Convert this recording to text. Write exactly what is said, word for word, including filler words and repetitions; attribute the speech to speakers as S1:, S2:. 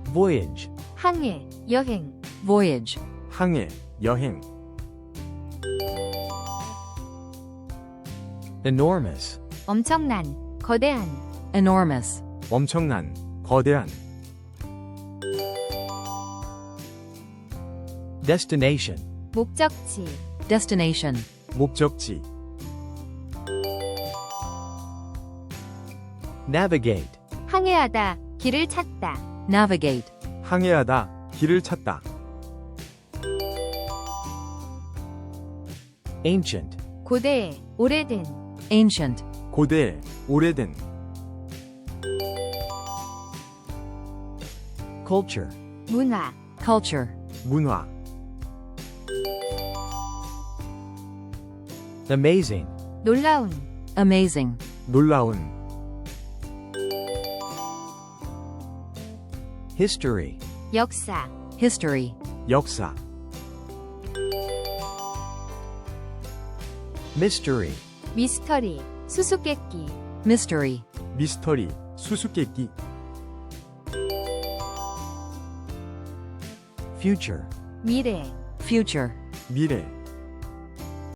S1: voyage,
S2: 항해, 여행.
S3: voyage,
S4: 항해, 여행.
S1: enormous,
S2: 엄청난, 거대한.
S3: enormous,
S4: 엄청난, 거대한.
S1: destination,
S2: 목적지.
S3: destination,
S4: 목적지.
S1: navigate,
S2: 항해하다, 길을 찾다.
S3: navigate,
S4: 항해하다, 길을 찾다.
S1: ancient,
S2: 고대, 오래된.
S3: ancient,
S4: 고대, 오래된.
S1: culture,
S2: 문화.
S3: culture,
S4: 문화.
S1: amazing,
S2: 놀라운.
S3: amazing,
S4: 놀라운.
S1: history,
S2: 역사.
S3: history,
S4: 역사.
S1: mystery,
S2: 미스터리. 수수께끼.
S3: mystery,
S4: 미스터리, 수수께끼.
S1: future,
S2: 미래.
S3: future,
S4: 미래.